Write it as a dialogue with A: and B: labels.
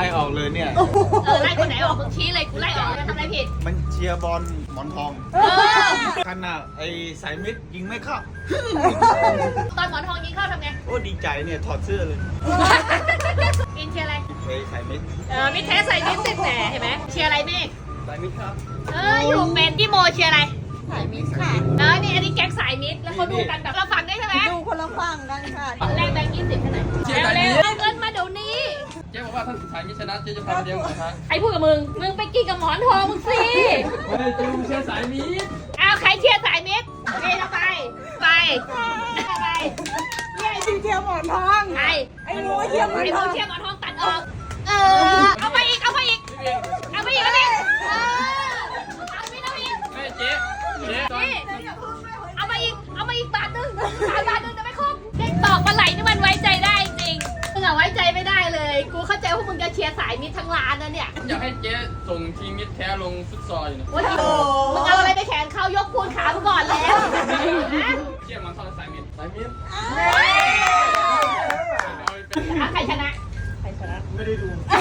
A: ล่ออกเลยเนี่ย
B: ไล่คนไหนออกมึงชี้เลยกูไล่ออกเลยทำอะไรผิด
A: มันเชียร์บอลหมอนทอง ขนาดไอ้สายมิดยิงไม่เข้า
B: ตอนหมอนทองยิงเข้าทำไง
A: โอ้ดีใจเนี่ยถอดเสื้อเลย
B: อินเชียร์อะไร
A: ไอ้สายมิด
B: มิดแท้ใส่มิดสิแหมเห็นไหมเชียร์อะไรเมฆ
A: สายมิดครับ
B: อยู่เป็นพี่โมเชียร์อะไร
C: สายมิตรค่ะ
B: นี่อันนี้แก๊งสายมิดแล้วเขาดูกันแบบเราฟังได้ใช่ไหม
C: ดูคนละฝั่งกันค่ะ
B: แรกแบงค์20เท่าไหร่เร็วๆเอาเงินมาเดี๋ยวนี้
D: เจ๊บอกว่าถ้าสายมิชนะเจ๊จะพาไปเลี้ยงหมูกระทะ
B: ใครพูดกับมึงไปกินกับหมอนทองมึงสิ
D: เฮ้ยเจ๊มึงเชื่อสายมิช
B: เอาใครเชียร์สายมิดนี่เราไปไป
C: เนี่ยไอ้ที่เที่ยวหมอนทอง
B: ใคร
C: ไอ้งูเที่ยวหมอน
B: ไอ้
C: ท
B: พ
C: อ
B: ว
C: ง
B: กเชียร์หมอนทองตัดออกเอาไปอีกเอาไปอีกเอาไปอีกเอาไปอีกเอาไปอีก
D: เฮ้ยเจ๊ตอน
B: นี่เอามาอีกบาทนึง3 บาทนึงจะไม่ครบเด็กตอกปลาไหลนี่มันไว้ใจได้จริงมึงอะไว้ใจไม่ได้เลยกูเข้าใจว่ามึงจะเชียร์สายมิดทั้งร้านนะเนี่ย
D: อยากให้เจ๊ส่งทีมมิชแท้ลงฟุตซอลอยู่นะ
B: ว่ามึงเอาอะไรไปแขนเขายกพูนขามึงก่อนแล้วนะ
D: เจ๊มันทอดสายมิชสายมิช
B: ใครชนะ
A: ไม่ได้ดู
B: เ